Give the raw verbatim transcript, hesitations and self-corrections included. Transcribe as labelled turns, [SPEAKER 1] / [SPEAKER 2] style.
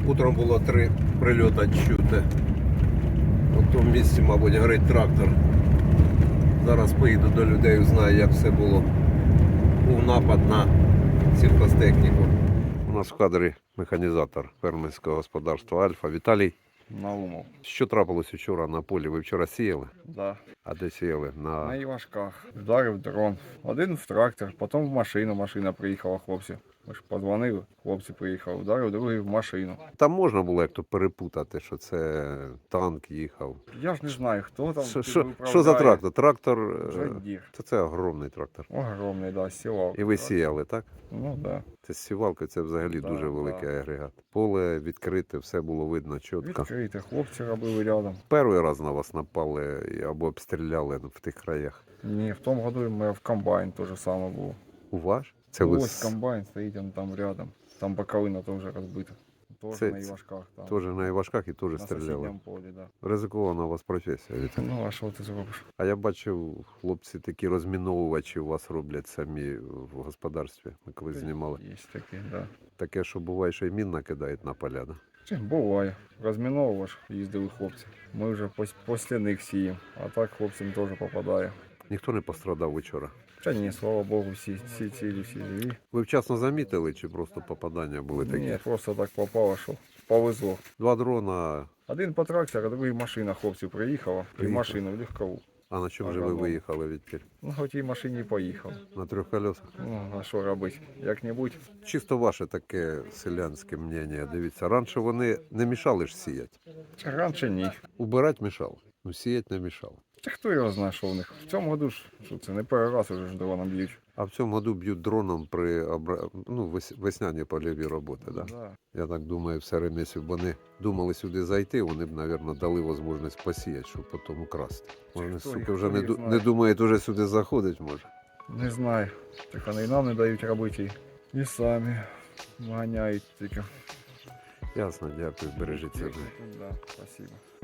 [SPEAKER 1] Утром було три прильоти чути. У тому місці, мабуть, горить трактор. Зараз поїду до людей, узнаю, як все було. Був напад на сільхозтехніку. У нас в кадрі механізатор фермерського господарства Альфа Віталій.
[SPEAKER 2] Наумов.
[SPEAKER 1] Що трапилось вчора на полі? Ви вчора сіяли?
[SPEAKER 2] Да.
[SPEAKER 1] А де сіяли? На...
[SPEAKER 2] На Івашках. Вдарив дрон. Один в трактор, потім в машину. Машина приїхала, хлопці. Ми ж подзвонили, хлопці приїхали. Вдарив другий в машину.
[SPEAKER 1] Там можна було як-то перепутати, що це танк їхав.
[SPEAKER 2] Я ж не знаю, хто там.
[SPEAKER 1] Що,
[SPEAKER 2] типу,
[SPEAKER 1] що,
[SPEAKER 2] управляє.
[SPEAKER 1] що за трактор? Трактор, е,
[SPEAKER 2] Джондір.
[SPEAKER 1] це, це огромний трактор.
[SPEAKER 2] Огромний, да, сівалка.
[SPEAKER 1] І ви сіяли, так?
[SPEAKER 2] Ну, да.
[SPEAKER 1] Це з сівалкою, це взагалі
[SPEAKER 2] Да,
[SPEAKER 1] дуже великий
[SPEAKER 2] да.
[SPEAKER 1] агрегат. Поле відкрите, все було видно чітко.
[SPEAKER 2] Відкрите, хлопці робили рядом.
[SPEAKER 1] Перший раз на вас напали або обстріляли в тих краях.
[SPEAKER 2] Ні, в тому году ми в комбайн те ж саме було.
[SPEAKER 1] У ваш? Це ви
[SPEAKER 2] Ось
[SPEAKER 1] з-
[SPEAKER 2] комбайн стоїть, він там рядом. Там боковина теж розбита. Теж
[SPEAKER 1] Це-
[SPEAKER 2] на Івашках. Там.
[SPEAKER 1] теж на Івашках і теж
[SPEAKER 2] На
[SPEAKER 1] стріляли.
[SPEAKER 2] сусідньому полі, да.
[SPEAKER 1] Ризикована у вас професія. Віталій.
[SPEAKER 2] Ну, а що ти зробиш?
[SPEAKER 1] А я бачив, хлопці такі розміновувачі у вас роблять самі в господарстві. Ми колись знімали.
[SPEAKER 2] Є такі, да.
[SPEAKER 1] Таке, що буває, що й мін накидають на поля. Да?
[SPEAKER 2] Чи, буває. Розміновувач їздили хлопці. Ми вже пос- після них сіємо. А так хлопцям теж попадає.
[SPEAKER 1] Ніхто не пострадав вчора.
[SPEAKER 2] Та ні, слава Богу, всі, всі цілі, всі живі.
[SPEAKER 1] Ви вчасно замітили, чи просто попадання були такі?
[SPEAKER 2] Ні, просто так попало, що повезло.
[SPEAKER 1] Два дрона.
[SPEAKER 2] Один по трактору, а другий машина хлопців приїхала. І
[SPEAKER 1] Приїхала.
[SPEAKER 2] машину в легкову.
[SPEAKER 1] А на чому же ви
[SPEAKER 2] Ага, ну.
[SPEAKER 1] виїхали відтіль?
[SPEAKER 2] Ну, хоч і машині поїхав.
[SPEAKER 1] На трьох колесах?
[SPEAKER 2] Ну, а що робити? Як-небудь.
[SPEAKER 1] Чисто ваше таке селянське мнення. Дивіться, раніше вони не мішали ж сіяти.
[SPEAKER 2] Чи раніше ні.
[SPEAKER 1] Убирати мішали, ну сіяти не мішало.
[SPEAKER 2] Та хто його знає, що в них? В цьому году ж, що це, не перший раз уже ж дроном б'ють.
[SPEAKER 1] А в цьому году б'ють дроном при обра... ну, вес- весняні польові роботи. Да?
[SPEAKER 2] Да.
[SPEAKER 1] Я так думаю, в середині, якщо б вони думали сюди зайти, вони б, мабуть, дали можливість посіяти, щоб потім украсти. Може,
[SPEAKER 2] Хто
[SPEAKER 1] суки,
[SPEAKER 2] їх-
[SPEAKER 1] вже
[SPEAKER 2] хто
[SPEAKER 1] не,
[SPEAKER 2] їх
[SPEAKER 1] ду-
[SPEAKER 2] знає?
[SPEAKER 1] не думають уже сюди заходить, може.
[SPEAKER 2] Не знаю. Так вони і нам не дають робити. І самі ганяють тільки.
[SPEAKER 1] Ясно, дякую, бережіть себе.
[SPEAKER 2] Да, спасибо.